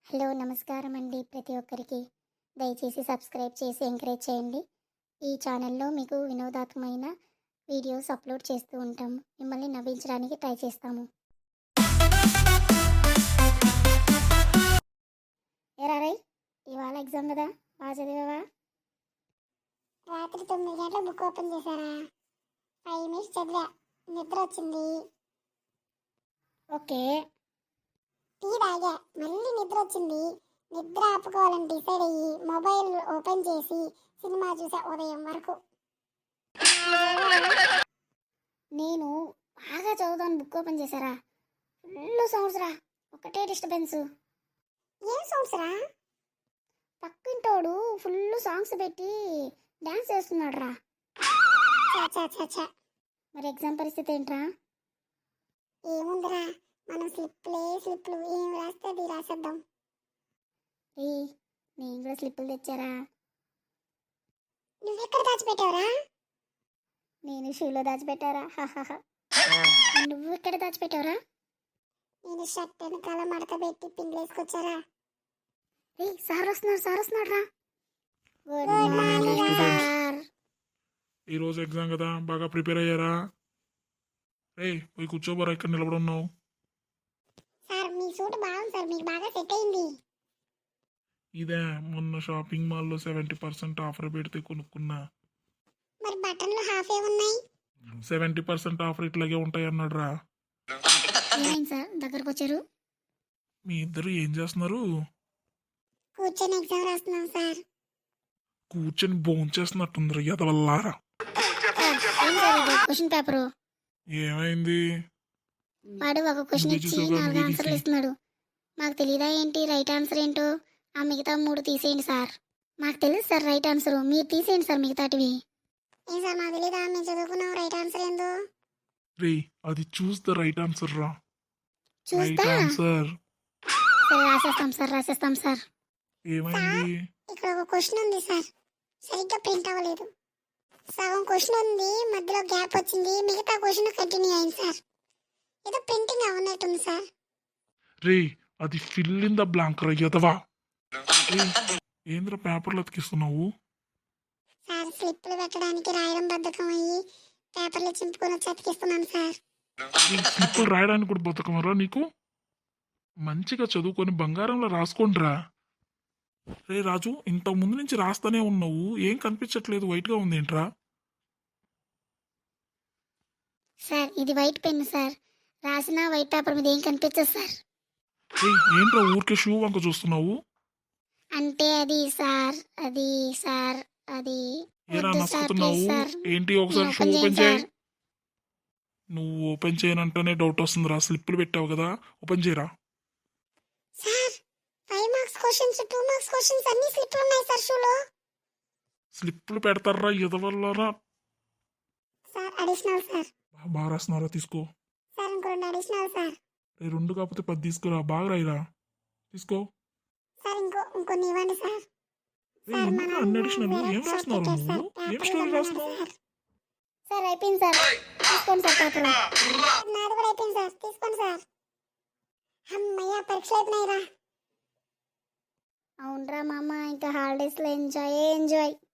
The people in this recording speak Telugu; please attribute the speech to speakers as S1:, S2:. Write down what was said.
S1: హలో నమస్కారం అండి ప్రతి ఒక్కరికి. దయచేసి సబ్స్క్రైబ్ చేసి ఎంకరేజ్ చేయండి. ఈ ఛానల్లో మీకు వినోదాత్మకమైన వీడియోస్ అప్లోడ్ చేస్తూ ఉంటాము. మిమ్మల్ని నవ్వించడానికి ట్రై చేస్తాము. ఏరా రై, ఇవాళ ఎగ్జామ్ కదా, బాగా చదివావా?
S2: రాత్రి 9 గంటలకు బుక్ ఓపెన్ చేశారా? 5 మినిట్స్ చదివా, నిద్ర వచ్చింది.
S1: ఓకే.
S2: టీ తాగా, మళ్ళీ నిద్ర వచ్చింది. నిద్ర ఆపుకోవాలని డిసైడ్ అయ్యి మొబైల్ ఓపెన్ చేసి సినిమా చూసా ఉదయం వరకు.
S1: నేను బాగా చదువుతాను, బుక్ ఓపెన్ చేశారా, ఫుల్ సౌండ్స్ రా, ఒకటే డిస్టర్బెన్స్.
S2: ఏం సౌండ్స్ రా?
S1: పక్కింటోడు ఫుల్ సాంగ్స్ పెట్టి డ్యాన్స్ చేస్తున్నాడు రా.
S2: చా
S1: మరి ఎగ్జామ్ పరిస్థితి ఏంట్రా?
S2: ఏముందిరా, మనం స్లిప్లు ఏం రాస్తే అది రాసేద్దాం.
S1: ఏ, నేను కూడా స్లిప్పులు తెచ్చారా.
S2: నువ్వెక్కడ దాచిపెట్టావురా?
S1: నేను షూలో దాచిపెట్టారా. నువ్వు ఎక్కడ దాచిపెట్టావురా?
S2: నేను షర్ట్ వెనకాల మడత పెట్టి పిండిలేసుకొచ్చారా.
S1: ఏ, సార్ వస్తున్నాడు రా. Good
S2: Good
S1: morning
S2: morning,
S1: sir.
S3: ఈరోజు ఎగ్జామ్ కదా, బాగా ప్రిపేర్ అయ్యారా? రే, పోయి కూర్చోబోరా, ఇక్కడ నిలబడి ఉన్నావు.
S2: సార్ మీ సూట్ బాగుంది సార్, మీకు బాగా సెట్ అయింది.
S3: ఇదే మొన్న షాపింగ్ మాల్లో 70% ఆఫర్ పెడితే కొనుక్కున్నా.
S2: మరి బటన్లు హాఫే ఉన్నాయి.
S3: 70% ఆఫర్ ఇట్లాగే ఉంటాయి అన్నాడు రా.
S1: ఏమైంది సార్, దగ్గరకు వచ్చారు?
S3: మీ ఇద్దరు ఏం చేస్తున్నారు?
S2: కూర్చొని ఎగ్జామ్ రాస్తున్నాం సార్.
S3: కూర్చొని భోంచేస్తున్నట్టుందిరా ఎదవల్లారా.
S1: ఏం సార్ ఇది, క్వశ్చన్ పేపరు?
S3: ఏమైంది?
S1: వాడు ఒక క్వశ్చన్
S3: నువ్వే
S1: ఇచ్చి
S3: చూసావు కదా,
S1: 4
S3: నువ్వే
S1: ఆన్సర్లు
S3: తీసి.
S1: ఇస్తున్నాడు. మాకు తెలీదా ఏంటి రైట్ ఆన్సర్ ఏంటో? ఆ మిగతా 3 తీసేయండి సార్. మాకు తెలుసు సార్ రైట్ ఆన్సర్, మీరు తీసేయండి సార్ మిగతాటివి.
S2: ఏం సార్ మాకు తెలీదా మేము చదువుకున్నాం రైట్ ఆన్సర్ ఏందో?
S3: రే, అది చూస్ ద రైట్ ఆన్సర్ రా. రైట్
S1: చూస్తా.
S3: ఆన్సర్.
S1: సరే రాసేస్తాం సార్.
S3: ఏమైంది?
S2: ఇక్కడ ఒక క్వశ్చన్ ఉంది సార్, సరిగ్గా ప్రింట్ అవ్వలేదు. సగం క్వశ్చన్ ఉంది, మధ్యలో గ్యాప్ వచ్చింది, మిగతా క్వశ్చన్ కంటిన్యూ అయింది సార్. ఏదో ప్రింటింగ్ అవ్వనట్టుంది సార్.
S3: రే, అది ఫిల్ ఇన్ ద బ్లాంక్ రా ఎదవా. రేయ్, ఏంద్ర పేపర్లు అతికిస్తున్నావు?
S2: సార్ స్లిప్లు పెట్టడానికి రాయడం బద్ధకం అయ్యి పేపర్లు చింపుకొని వచ్చి అతికిస్తున్నాను సార్.
S3: స్లిప్పులు రాయడానికి కూడా బతకమరా నీకు? మంచిగా చదువుకొని బంగారంలో రాసుకోండిరా. రే రాజు, ఇంత ముందు నుంచి రాస్తానే ఉన్నావు, ఏం కనిపించట్లేదు, వైట్గా ఉంది ఏంట్రా?
S1: సార్ ఇది వైట్ పెన్ సార్, రాసిన వైట్ పేపర్ మీద ఏం కనిపించదు సార్.
S3: రే, ఏంట్రా ఊరికే షూ వంక చూస్తున్నావు?
S1: అంటే అది సార్, అది
S3: ఏరా
S1: వద్దు సార్,
S3: నసుకుతున్నావు?
S1: Please sir.
S3: ఏంటి, ఒకసారి
S1: నేను
S3: షూ
S1: ఓపెన్
S3: ఓపెన్
S1: చేయను
S3: చేయి. నువ్వు ఓపెన్ చేయనంటేనే డౌట్ వస్తుందిరా. స్లిప్పులు పెట్టావు కదా, ఓపెన్ చేయరా.
S2: Sir 5 marks questions 2 marks questions అన్ని స్లిప్లు ఉన్నాయి సార్ షూలో.
S3: స్లిప్పులు పెడతారా ఎదవల్లారా.
S2: Sir additional sir.
S3: బాగా రాస్తున్నారా, తీసుకో.
S2: సార్ ఇంకో 2 అడిషనల్ సార్.
S3: రే, 2 కాకపోతే 10 తీసుకురా, బాగా రాయిరా, తీసుకో.
S2: సార్ ఇంకొన్ని ఇవ్వండి సార్.
S3: రే, ఎందుకు అన్ని అడిషనల్? ఏం రాస్తున్నారు నువ్వు? ఏం స్టోరీ రాస్తున్నావు?
S1: సార్ అయిపోయింది సార్, తీసుకోండి సార్ పేపర్.
S2: నాది కూడా అయిపోయింది సార్, తీసుకోండి సార్. అమ్మయ్య, పరీక్షలు అయిపోయినాయిరా.
S1: అవునరా మామ, ఇంకా హాలిడేస్లో ఎంజాయ్.